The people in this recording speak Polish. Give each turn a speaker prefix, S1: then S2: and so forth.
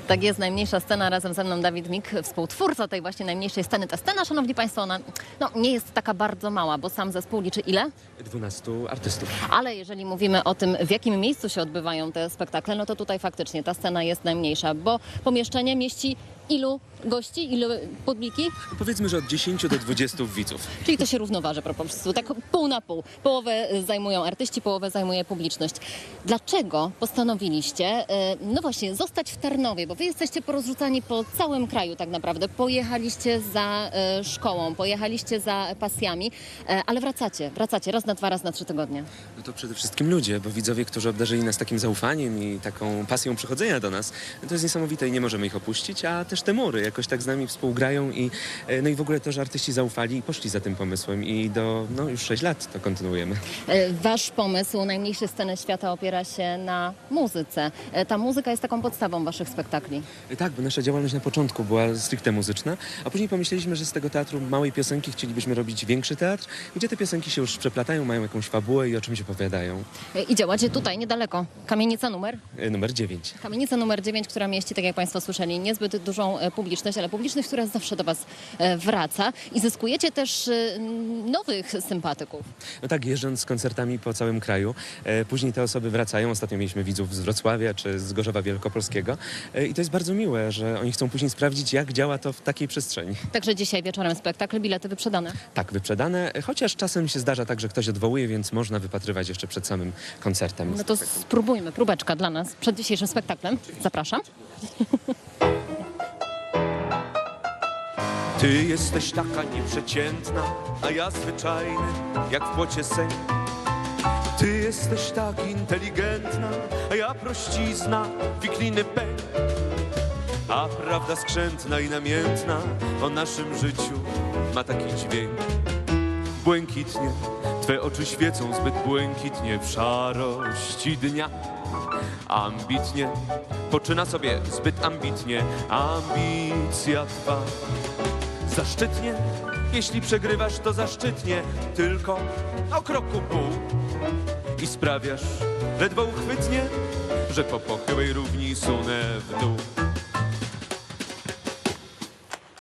S1: Tak jest, najmniejsza scena, razem ze mną Dawid Mik, współtwórca tej właśnie najmniejszej sceny. Ta scena, szanowni państwo, ona nie jest taka bardzo mała, bo sam zespół liczy ile?
S2: 12 artystów.
S1: Ale jeżeli mówimy o tym, w jakim miejscu się odbywają te spektakle, no to tutaj faktycznie ta scena jest najmniejsza, bo pomieszczenie mieści ilu gości, ilu publiki?
S2: Powiedzmy, że od 10 do 20 widzów.
S1: Czyli to się równoważy po prostu, tak pół na pół. Połowę zajmują artyści, połowę zajmuje publiczność. Dlaczego postanowiliście, no właśnie, zostać w Tarnowie? Bo wy jesteście porozrzucani po całym kraju tak naprawdę. Pojechaliście za szkołą, pojechaliście za pasjami, ale wracacie raz na 2, raz na 3 tygodnie.
S2: No to przede wszystkim ludzie, bo widzowie, którzy obdarzyli nas takim zaufaniem i taką pasją przychodzenia do nas, to jest niesamowite i nie możemy ich opuścić, a też te mury jakoś tak z nami współgrają i no i w ogóle to, że artyści zaufali i poszli za tym pomysłem i już 6 lat to kontynuujemy.
S1: Wasz pomysł najmniejszej sceny świata opiera się na muzyce. Ta muzyka jest taką podstawą waszych spektakli.
S2: Tak, bo nasza działalność na początku była stricte muzyczna, a później pomyśleliśmy, że z tego teatru małej piosenki chcielibyśmy robić większy teatr, gdzie te piosenki się już przeplatają, mają jakąś fabułę i o czymś opowiadają.
S1: I działacie tutaj niedaleko. Kamienica numer?
S2: Numer 9.
S1: Kamienica numer 9, która mieści, tak jak państwo słyszeli, niezbyt dużą publiczność, ale publiczność, która zawsze do was wraca i zyskujecie też nowych sympatyków.
S2: No tak, jeżdżąc z koncertami po całym kraju, później te osoby wracają. Ostatnio mieliśmy widzów z Wrocławia czy z Gorzowa Wielkopolskiego i to jest bardzo miłe, że oni chcą później sprawdzić, jak działa to w takiej przestrzeni.
S1: Także dzisiaj wieczorem spektakl, bilety wyprzedane.
S2: Tak, wyprzedane, chociaż czasem się zdarza tak, że ktoś odwołuje, więc można wypatrywać jeszcze przed samym koncertem.
S1: No to spróbujmy, próbeczka dla nas przed dzisiejszym spektaklem. Zapraszam.
S3: Ty jesteś taka nieprzeciętna, a ja zwyczajny, jak w płocie sen. Ty jesteś tak inteligentna, a ja prościzna, wikliny pęk. A prawda skrzętna i namiętna o naszym życiu ma taki dźwięk. Błękitnie, twe oczy świecą zbyt błękitnie w szarości dnia. Ambitnie, poczyna sobie zbyt ambitnie ambicja twa. Zaszczytnie, jeśli przegrywasz, to zaszczytnie, tylko o kroku pół. I sprawiasz ledwo uchwytnie, że po pochyłej równi sunę w dół.